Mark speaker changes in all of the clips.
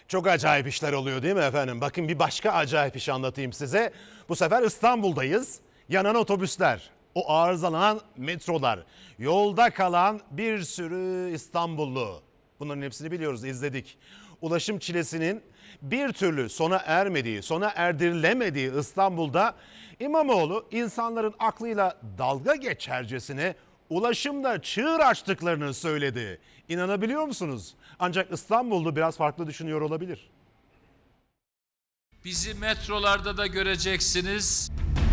Speaker 1: Çok acayip işler oluyor değil mi efendim? Bakın bir başka acayip iş anlatayım size. Bu sefer İstanbul'dayız. Yanan otobüsler, o arızalanan metrolar, yolda kalan bir sürü İstanbullu. Bunların hepsini biliyoruz, izledik. Ulaşım çilesinin bir türlü sona ermediği, sona erdirilemediği İstanbul'da İmamoğlu insanların aklıyla dalga geçercesine ulaşımda çığır açtıklarını söyledi. İnanabiliyor musunuz? Ancak İstanbullu biraz farklı düşünüyor olabilir.
Speaker 2: Bizi metrolarda da göreceksiniz.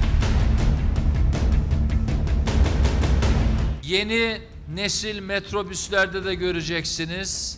Speaker 2: Yeni nesil metrobüslerde de göreceksiniz.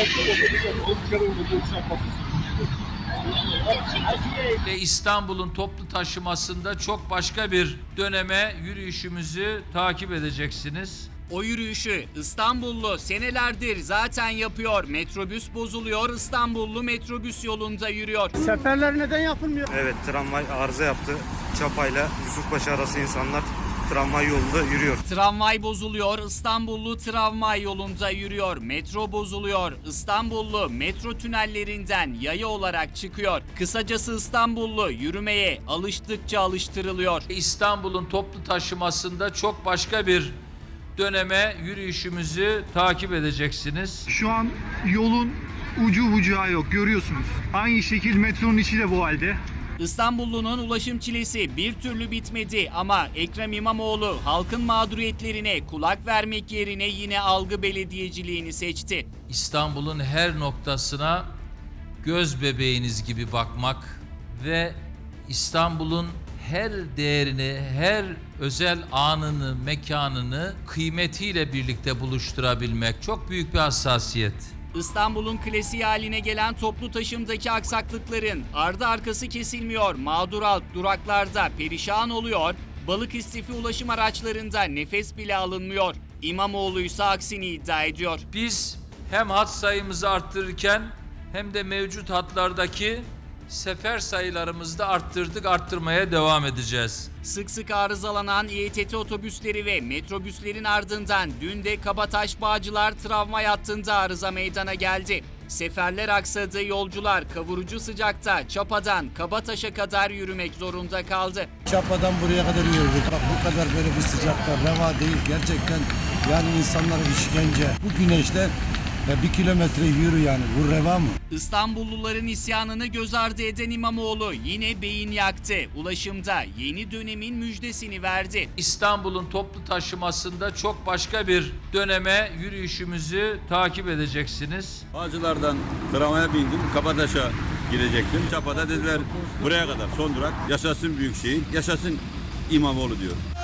Speaker 2: Ve İstanbul'un toplu taşımasında çok başka bir döneme yürüyüşümüzü takip edeceksiniz.
Speaker 3: O yürüyüşü İstanbullu senelerdir zaten yapıyor. Metrobüs bozuluyor, İstanbullu metrobüs yolunda yürüyor.
Speaker 4: Seferler neden yapılmıyor?
Speaker 5: Evet, tramvay arıza yaptı. Çapayla Yusufpaşa arası insanlar tramvay yolunda yürüyor.
Speaker 3: Tramvay bozuluyor, İstanbullu tramvay yolunda yürüyor. Metro bozuluyor, İstanbullu metro tünellerinden yaya olarak çıkıyor. Kısacası İstanbullu yürümeye alıştıkça alıştırılıyor.
Speaker 2: İstanbul'un toplu taşımasında çok başka bir döneme yürüyüşümüzü takip edeceksiniz.
Speaker 4: Şu an yolun ucu bucağı yok, görüyorsunuz. Aynı şekil metronun içi de bu halde.
Speaker 3: İstanbullunun ulaşım çilesi bir türlü bitmedi ama Ekrem İmamoğlu halkın mağduriyetlerine kulak vermek yerine yine algı belediyeciliğini seçti.
Speaker 2: İstanbul'un her noktasına göz bebeğiniz gibi bakmak ve İstanbul'un her değerini, her özel anını, mekanını kıymetiyle birlikte buluşturabilmek çok büyük bir hassasiyet.
Speaker 3: İstanbul'un klasiği haline gelen toplu taşımdaki aksaklıkların ardı arkası kesilmiyor. Mağdur halk duraklarda perişan oluyor. Balık istifi ulaşım araçlarında nefes bile alınmıyor. İmamoğlu ise aksini iddia ediyor.
Speaker 2: Biz hem hat sayımızı arttırırken hem de mevcut hatlardaki sefer sayılarımızı da arttırmaya devam edeceğiz.
Speaker 3: Sık sık arızalanan İETT otobüsleri ve metrobüslerin ardından dün de Kabataş Bağcılar tramvay hattında arıza meydana geldi. Seferler aksadı, yolcular kavurucu sıcakta Çapa'dan Kabataş'a kadar yürümek zorunda kaldı.
Speaker 6: Çapa'dan buraya kadar yürüdük. Bak bu kadar böyle bir sıcakta reva değil gerçekten, yani insanlara bir işkence. Bu güneşte 1 kilometre yürü, yani bu reva mı?
Speaker 3: İstanbulluların isyanını göz ardı eden İmamoğlu yine beyin yaktı. Ulaşımda yeni dönemin müjdesini verdi.
Speaker 2: İstanbul'un toplu taşımasında çok başka bir döneme yürüyüşümüzü takip edeceksiniz.
Speaker 7: Bağcılar'dan tramvaya bindim, Kabataş'a gidecektim. Çapa'da dediler buraya kadar son durak, yaşasın Büyükşehir, yaşasın İmamoğlu diyor.